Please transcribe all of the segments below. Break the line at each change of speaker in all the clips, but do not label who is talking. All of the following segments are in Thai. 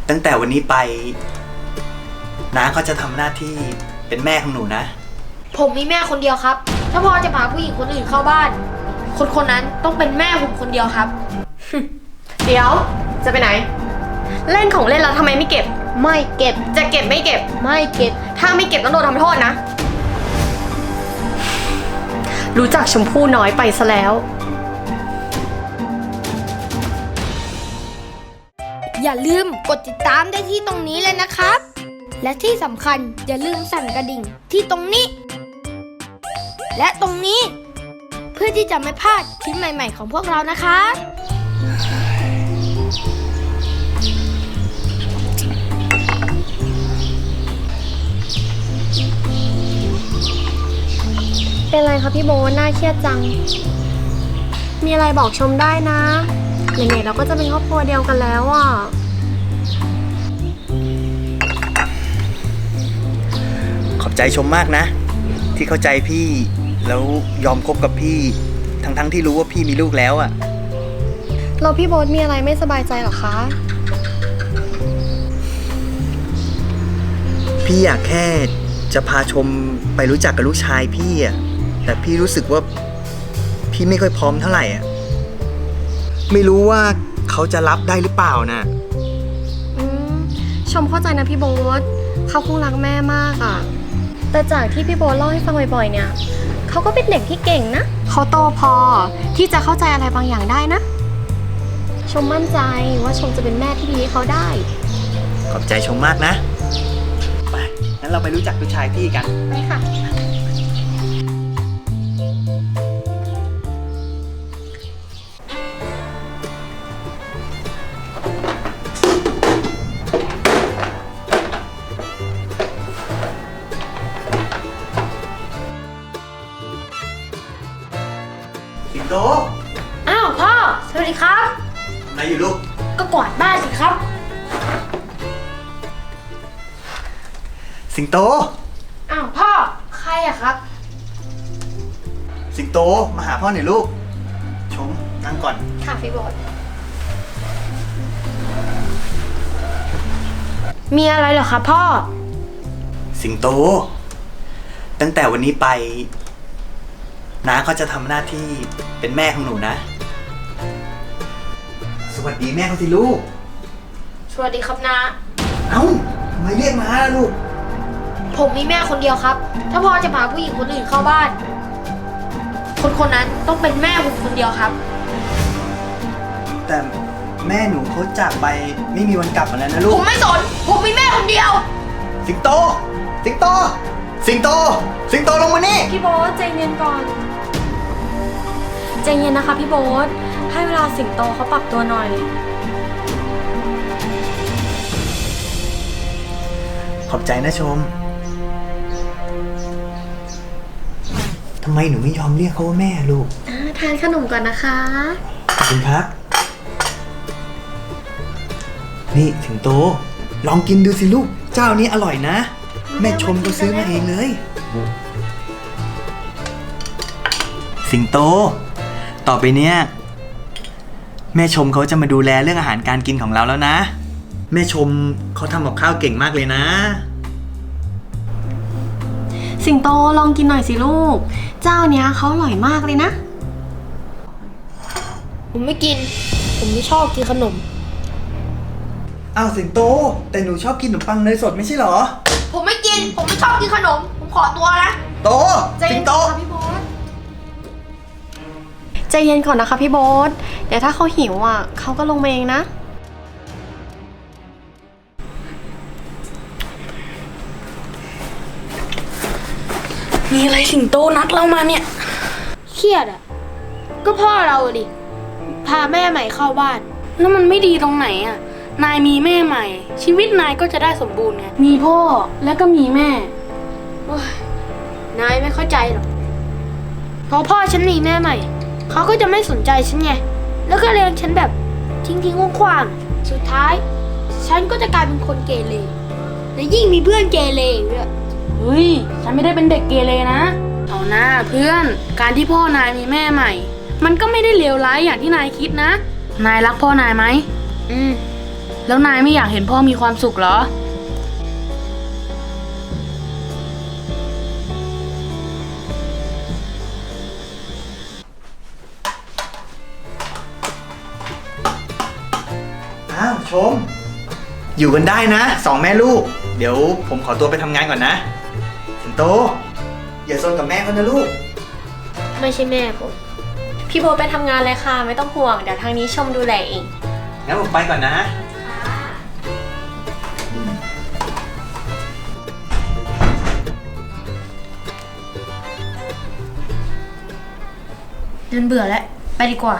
ตั้งแต่วันนี้ไปน้าก็จะทำหน้าที่เป็นแม่ของหนูนะ
ผมมีแม่คนเดียวครับถ้าพ่อจะพาผู้หญิงคนอื่นเข้าบ้านคนคนนั้นต้องเป็นแม่ผมคนเดียวครับ
เดี๋ยวจะไปไหนเล่นของเล่นแล้วทำไมไม่เก็บ
ไม่เก็บ
จะเก็บไม่เก็บ
ไม่เก็บ
ถ้าไม่เก็บต้องโดนทำโทษนะรู้จักชมพู่น้อยไปซะแล้ว
อย่าลืมกดติดตามได้ที่ตรงนี้เลยนะครับและที่สำคัญอย่าลืมสั่นกระดิ่งที่ตรงนี้และตรงนี้เพื่อที่จะไม่พลาดคลิปใหม่ๆของพวกเรานะคะ
เป็นไรคะพี่โบน่าเครียดจังมีอะไรบอกชมได้นะไหนๆเราก็จะเป็นครอบครัวเดียวกันแล้วอ่ะ
ขอบใจชมมากนะที่เข้าใจพี่แล้วยอมคบกับพี่ทั้งที่รู้ว่าพี่มีลูกแล้วอ่ะ
เราพี่โบ๊ทมีอะไรไม่สบายใจหรอคะ
พี่อยากแค่จะพาชมไปรู้จักกับลูกชายพี่อ่ะแต่พี่รู้สึกว่าพี่ไม่ค่อยพร้อมเท่าไหร่อ่ะไม่รู้ว่าเขาจะรับได้หรือเปล่านะ
ชมเข้าใจนะพี่โบ๊ทเขาคงรักแม่มากอ่ะแต่จากที่พี่โบ๊ทเล่าให้ฟังบ่อยๆเนี่ยเขาก็เป็นเด็กที่เก่งนะเขาโตพอที่จะเข้าใจอะไรบางอย่างได้นะชมมั่นใจว่าชมจะเป็นแม่ที่ดีให้เขาได้
ขอบใจชมมากนะไปงั้นเราไปรู้จักลูกชายพี่กัน
ไปค่ะ
สิงโต
อ้าวพ่อสวัสดีครับ
ไหนอยู่ลูก
ก็กวาดบ้านสิครับ
สิงโต
อ้าวพ่อใครอะครับ
สิงโตมาหาพ่อหน่อยลูกชมนั่งก่อน
ค่ะพี่โบ๊ท
มีอะไรเหรอครับพ่อ
สิงโตตั้งแต่วันนี้ไปน้าก็จะทำหน้าที่เป็นแม่ของหนูนะสวัสดีแม่เขาสิลูก
สวัสดีครับน้า
เอ้าทำไมเรียกมาล่ะลูก
ผมมีแม่คนเดียวครับถ้าพ่อจะพาผู้หญิงคนอื่นเข้าบ้านคนคนนั้นต้องเป็นแม่ผมคนเดียวครับ
แต่แม่หนูเขาจากไปไม่มีวันกลับมาแล้วนะลูก
ผมไม่สนผมมีแม่คนเดียว
สิงโตสิงโตสิงโตสิงโตลงมานี่
พี่โบ๊ทใจเย็นก่อนใจเย็นนะคะพี่โบ๊ทให้เวลาสิงโตเขาปรับตัวหน่อย
ขอบใจนะชมทำไมหนูไม่ยอมเรียกเขาว่าแม่ลูก
ทานขนมก่อนนะคะ
ขอบคุณครับนี่สิงโตลองกินดูสิลูกเจ้านี้อร่อยนะแม่ชมก็ซื้อมาเองเลยสิงโตต่อไปเนี้ยแม่ชมเขาจะมาดูแลเรื่องอาหารการกินของเราแล้วนะแม่ชมเขาทำกับข้าวเก่งมากเลยนะ
สิงโตลองกินหน่อยสิลูกเจ้าเนี้ยเขาอร่อยมากเลยนะ
ผมไม่กินผมไม่ชอบกินขนม
อ้าวสิงโตแต่หนูชอบกินขนมปังเนยสดไม่ใช่เหรอ
ผมไม่กินผมไม่ชอบกินขนมผมขอตัวนะ
โตสิงโต
ใจเย็นก่อนนะคะพี่โบ๊ทเดี๋ยวถ้าเขาหิวอ่ะเขาก็ลงมาเองนะ
มีอะไรสิงโตนัดเรามาเนี่ยเครียดอ่ะก็พ่อเราดิพาแม่ใหม่เข้าบ้าน
แล้วมันไม่ดีตรงไหนอ่ะนายมีแม่ใหม่ชีวิตนายก็จะได้สมบูรณ์ไงมีพ่อแล้วก็มีแม่
นายไม่เข้าใจหรอกพอพ่อฉันมีแม่ใหม่เขาก็จะไม่สนใจฉันไงแล้วก็เลี้ยงฉันแบบทิ้งๆขว้างๆสุดท้ายฉันก็จะกลายเป็นคนเกเรและยิ่งมีเพื่อนเกเรด้วย
เฮ้ยฉันไม่ได้เป็นเด็กเกเรนะเอาหน้าเพื่อนการที่พ่อนายมีแม่ใหม่มันก็ไม่ได้เลวร้ายอย่างที่นายคิดนะนายรักพ่อนายไหมแล้วนายไม่อยากเห็นพ่อมีความสุขเหรอ
อ้าวชม อยู่กันได้นะสองแม่ลูก เดี๋ยวผมขอตัวไปทำงานก่อนนะ สิงโต อย่าซนกับแม่เขานะลูก
ไม่ใช่แม่ผม
พี่โบ๊ทไปทำงานเลยค่ะ ไม่ต้องห่วง เดี๋ยวทางนี้ชมดูแลเอง
งั้นผมไปก่อนนะ
เดินเบื่อแล้ว ไปดีกว่า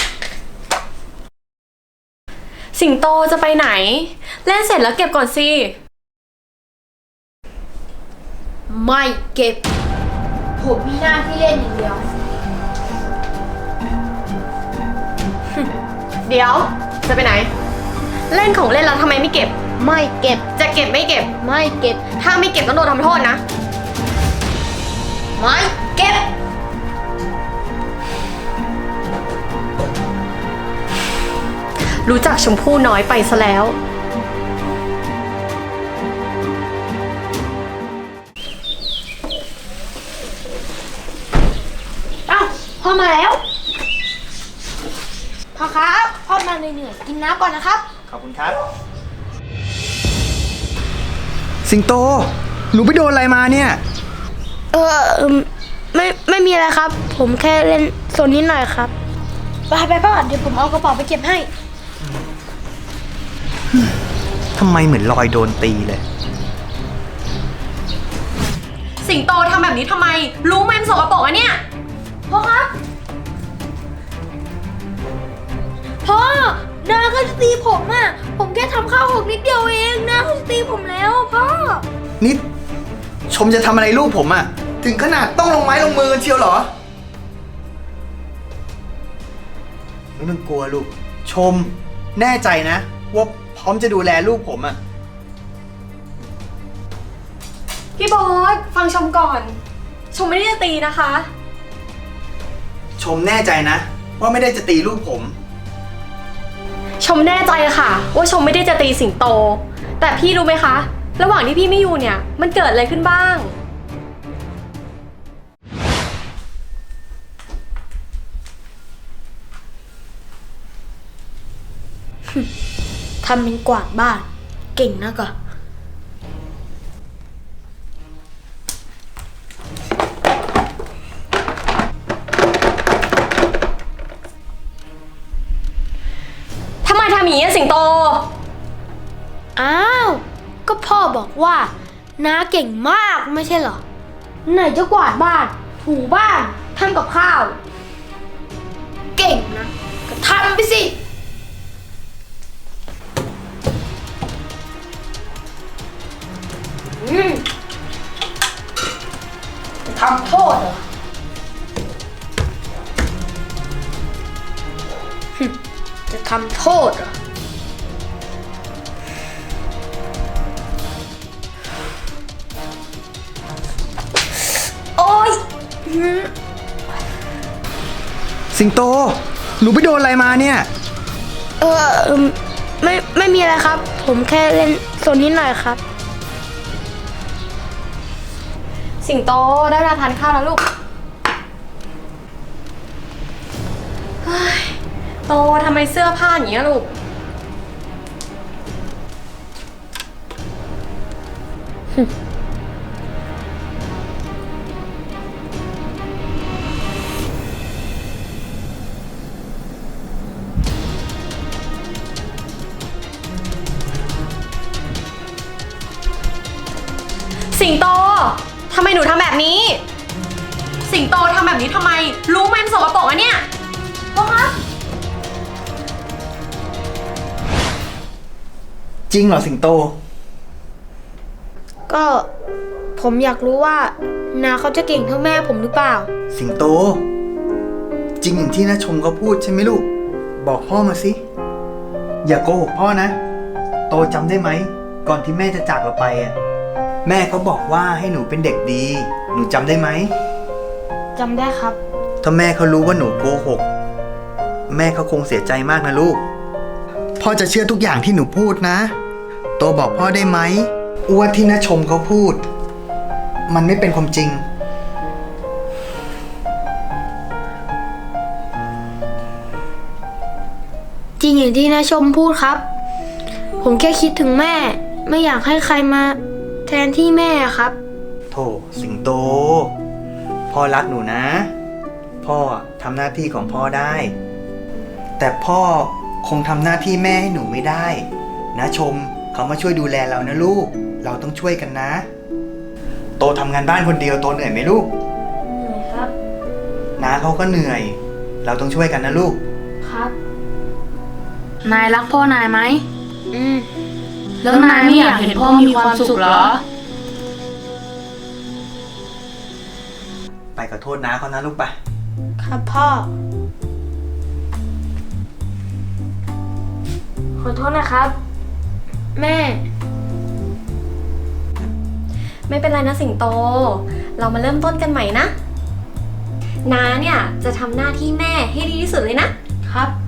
สิงโตจะไปไหน เล่นเสร็จแล้วเก็บก่อนสิ
ไม่เก็บ ผมมีหน้าที่เล่นอย่างเดียว
เดี๋ยว จะไปไหน เล่นของเล่นแล้วทำไมไม่เก็บ
ไม่เก็บ
จะเก็บไม่เก็บ
ไม่เก็บ
ถ้าไม่เก็บต้องโดนทำโทษนะ
ไม่เก็บ
รู้จักชมพู่น้อยไปซะแล้ว
เอ้าพ่อมาแล้ว พ่อครับ พ่อมาเหนื่อยๆกินน้ำก่อนนะครับ
ขอบคุณครับ สิงโต หนูไปโดนอะไรมาเนี่ย
ไม่มีอะไรครับ ผมแค่เล่นโซนนิดหน่อยครับ ไปพ่อเดี๋ยวผมเอากระเป๋าไปเก็บให้
ทำไมเหมือนรอยโดนตีเลย
สิงโตทำแบบนี้ทำไม รู้ไหมมันสกปรกอะเนี่ย
พ่อครับ พ่อนาเขาจะตีผมอ่ะ ผมแค่ทำข้าวหกนิดเดียวเองนาเขาจะตีผมแล้วพ่อ
นิด ชมจะทำอะไรลูกผมอะถึงขนาดต้องลงไม้ลงมือกันเชียวเหรอ ไม่ต้องกลัวลูก ชมแน่ใจนะ ว่าพร้อมจะดูแลลูกผมอะ
พี่โบ๊ทฟังชมก่อน ชมไม่ได้จะตีนะคะ
ชมแน่ใจนะ ว่าไม่ได้จะตีลูกผม
ชมแน่ใจค่ะ ว่าชมไม่ได้จะตีสิงโต แต่พี่รู้ไหมคะ ระหว่างที่พี่ไม่อยู่เนี่ย มันเกิดอะไรขึ้นบ้าง
ทำเป็นกวาดบ้าน เก่งนะก็
ทำไมทำอย่างนี้อะสิงโต
อ้าว ก็พ่อบอกว่าน้าเก่งมากไม่ใช่เหรอ ไหนจะกวาดบ้าน ถูบ้านทำกับข้าว เก่งนะ ก็ทำไปสิจะทำโทษเหรอ จะทำโทษเหรอ โอ๊ย
สิงโต หนูไปโดนอะไรมาเนี่ย
ไม่มีอะไรครับ ผมแค่เล่นโซนนิดหน่อยครับ
สิงโตได้เวลาทานข้าวแล้วลูกเฮ้ยโตทำไมเสื้อผ้าอย่างนี้ยลูก สิงโต ทำไมหนูทำแบบนี้ สิงโตทำแบบนี้ทำไม รู้ไหมมันสกปรกอะเนี่ย
พ่อครับ
จริงเหรอสิงโต
ก็ผมอยากรู้ว่านาเขาจะเก่งเท่าแม่ผมหรือเปล่า
สิงโต จริงอย่างที่น้าชมเขาพูดใช่ไหมลูก บอกพ่อมาสิ อย่าโกหกพ่อนะ โตจำได้ไหม ก่อนที่แม่จะจากเราไปอ่ะ แม่เขาบอกว่าให้หนูเป็นเด็กดี หนูจำได้ไหม
จำได้ครับ
ถ้าแม่เขารู้ว่าหนูโกหก แม่เขาคงเสียใจมากนะลูก พ่อพ่อจะเชื่อทุกอย่างที่หนูพูดนะ โตบอกพ่อได้ไหมว่าที่น้าชมเขาพูด มันไม่เป็นความจริง
จริงอย่างที่น้าชมพูดครับ ผมแค่คิดถึงแม่ ไม่อยากให้ใครมาแทนที่แม่ครับ
โถสิงโต พ่อรักหนูนะ พ่อทำหน้าที่ของพ่อได้ แต่พ่อคงทำหน้าที่แม่ให้หนูไม่ได้นะชมเขามาช่วยดูแลเรานะลูก เราต้องช่วยกันนะ โตทำงานบ้านคนเดียวโตเหนื่อยไหมลูก
เหนื่อยครับ
น้าเขาก็เหนื่อย เราต้องช่วยกันนะลูก
ครับ
นายรักพ่อนายไหม
อืม
แล้วนายไม่อยากเห็นพ่อมีความสุขเหรอ
ไปขอโทษน้าเขานะลูกไป
ครับพ่อ ขอโทษนะครับ แม่
ไม่เป็นไรนะสิงโต เรามาเริ่มต้นกันใหม่นะน้าเนี่ยจะทำหน้าที่แม่ให้ดีที่สุดเลยนะ
ครับ